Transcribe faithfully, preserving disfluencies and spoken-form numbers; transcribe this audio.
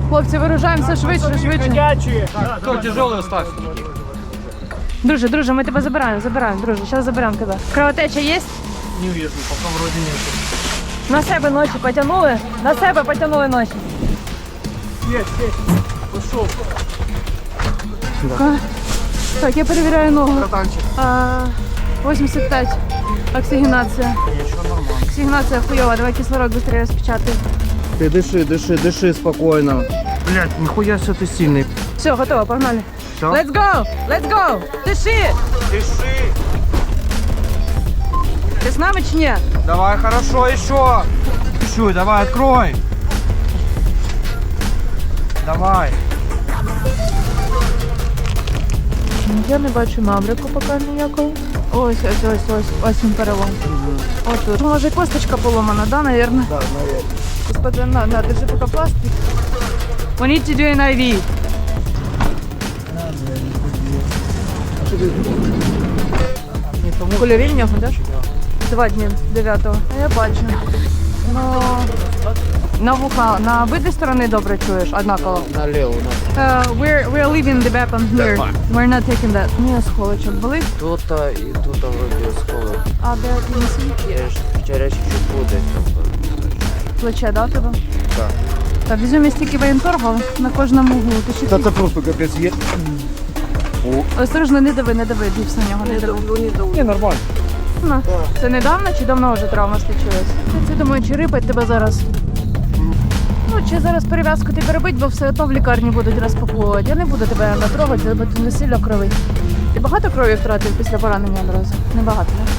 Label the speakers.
Speaker 1: Хлопці, виружаємося швидше, швидше.
Speaker 2: Хто тяжелий остався?
Speaker 1: Друже, друже, ми тебе забираємо, забираємо, друже, зараз заберемо тебе. Кровотеча є?
Speaker 2: Не вижу, пока вроде нет.
Speaker 1: На себе ночі потягнули, на себе потягнули ночі.
Speaker 2: Есть, есть. Пошел.
Speaker 1: Так, так, я перевіряю ногу.
Speaker 2: Братанчик.
Speaker 1: А, вісімдесят п'ять. Оксигенація.
Speaker 2: Ничего, нормально.
Speaker 1: Оксигенація хуйова, давай кислород быстрее распечатай.
Speaker 3: Ты дыши, дыши, дыши спокойно.
Speaker 2: Блять, нихуя все ты сильный.
Speaker 1: Все, готово, погнали.
Speaker 2: Все?
Speaker 1: Let's go! Let's go! Дыши!
Speaker 2: Дыши.
Speaker 1: Ти з нами чи ні?
Speaker 2: Давай, хорошо, еще. Чуть, давай, открой. Давай.
Speaker 1: Я не бачу маврику поки ніякого. Ось, ось, ось, ось, ось він перелом. Ось тут. Може косточка поломана, да, наверное?
Speaker 3: Да, наверное.
Speaker 1: Господи, на, на, держи поки пластик. We need to do an ай ві. Кульові в нього, да? Два дні, дев'ятого. Я бачу. Ну, на вуха, на обидві сторони добре чуєш, однаково.
Speaker 3: Налево у нас.
Speaker 1: Uh, we're, we're leaving the weapon here. We're not taking that. Ні, схолочок болить.
Speaker 3: Тут-то і тут вроді сколи.
Speaker 1: А де кінці?
Speaker 3: Вчора чуть буде.
Speaker 1: Плече, да, тебе?
Speaker 3: Так.
Speaker 1: Так, візьмемо стільки воєнторгу на кожному углу. Ти ще
Speaker 3: Та це просто капець є.
Speaker 1: осторожно, не дави, не дави, дівс на нього, не дави.
Speaker 3: Ні, нормально.
Speaker 1: Ну, це недавно чи давно вже травма случилась? Я це думаю, чи рипать тебе зараз. Ну, чи зараз перев'язку ти перебить, бо все одно в лікарні будуть розпаковувати. Я не буду тебе натрогати, бо ти не сильно кровить. Ти багато крові втратив після поранення одразу? Небагато, не?